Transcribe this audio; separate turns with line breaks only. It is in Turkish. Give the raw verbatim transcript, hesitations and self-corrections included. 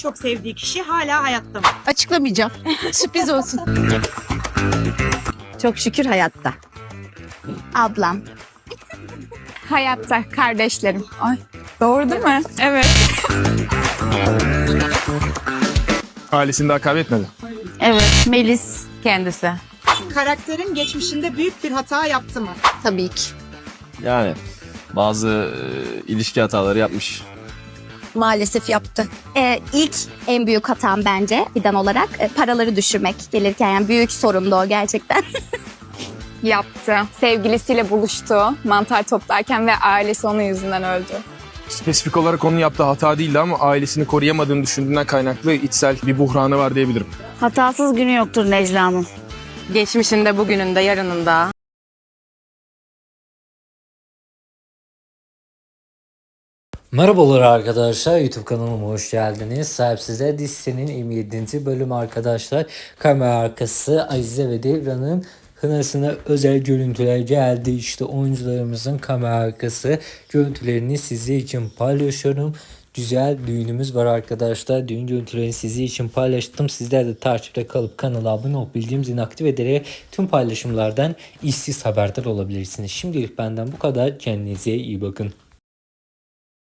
çok sevdiği kişi hala hayatta mı?
Açıklamayacağım. Sürpriz olsun.
Çok şükür hayatta.
Ablam.
Hayatta kardeşlerim. Ay, doğru değil mi? Evet.
Ailesini daha kaybetmedi.
Evet. Melis.
Kendisi.
Karakterin geçmişinde büyük bir hata yaptı mı?
Tabii ki.
Yani bazı e, ilişki hataları yapmış.
Maalesef yaptı.
Ee, ilk en büyük hatam bence Fidan olarak e, paraları düşürmek gelirken. Yani büyük sorundu o gerçekten.
Yaptı. Sevgilisiyle buluştu. Mantar toplarken ve ailesi onun yüzünden öldü.
Spesifik olarak onun yaptığı hata değildi ama ailesini koruyamadığını düşündüğünden kaynaklı içsel bir buhranı var diyebilirim.
Hatasız günü yoktur Necla'nın.
Geçmişinde, bugününde, yarınında.
Merhabalar arkadaşlar, YouTube kanalıma hoş geldiniz. Sahipsizler dizisinin yirmi yedinci bölüm arkadaşlar. Kamera arkası Azize ve Devran'ın kınasına özel görüntüler geldi. İşte oyuncularımızın kamera arkası görüntülerini sizler için paylaşıyorum. Güzel düğünümüz var arkadaşlar. Düğün görüntülerini sizler için paylaştım. Sizler de takipte kalıp kanala abone olup bildirim zilini aktif ederek tüm paylaşımlardan işsiz haberdar olabilirsiniz. Şimdilik benden bu kadar. Kendinize iyi bakın.